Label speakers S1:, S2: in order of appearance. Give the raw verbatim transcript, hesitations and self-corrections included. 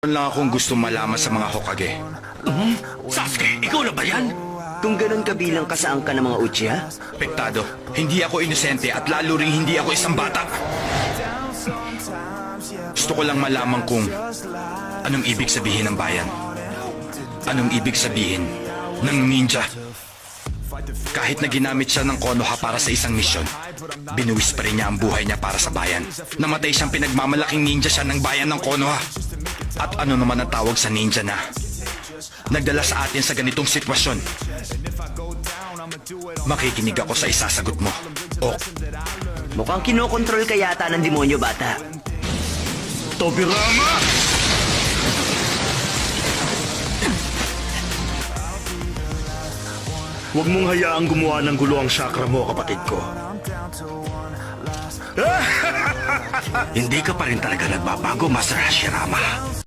S1: lang akong gusto malaman sa mga Hokage.
S2: Sasuke, ikaw na ba yan?
S3: Kung ganun kabilang ka sa angka ng mga Uchiha,
S1: Pektado, hindi ako inosente at lalo ring hindi ako isang bata. Gusto ko lang malaman kung anong ibig sabihin ng bayan. Anong ibig sabihin ng ninja. Kahit na ginamit siya ng Konoha para sa isang misyon, binuwis pa rin niya ang buhay niya para sa bayan. Namatay siyang pinagmamalaking ninja siya ng bayan ng Konoha. At ano naman ang tawag sa ninja na nagdala sa atin sa ganitong sitwasyon? Makikinig ako sa isasagot mo. O,
S3: mukhang kinokontrol ka yata ng demonyo, bata.
S2: Tobirama! Huwag mong hayaang gumawa ng gulo ang chakra mo, kapatid ko. Hindi ka pa rin talaga nagbabago, Master Hashirama.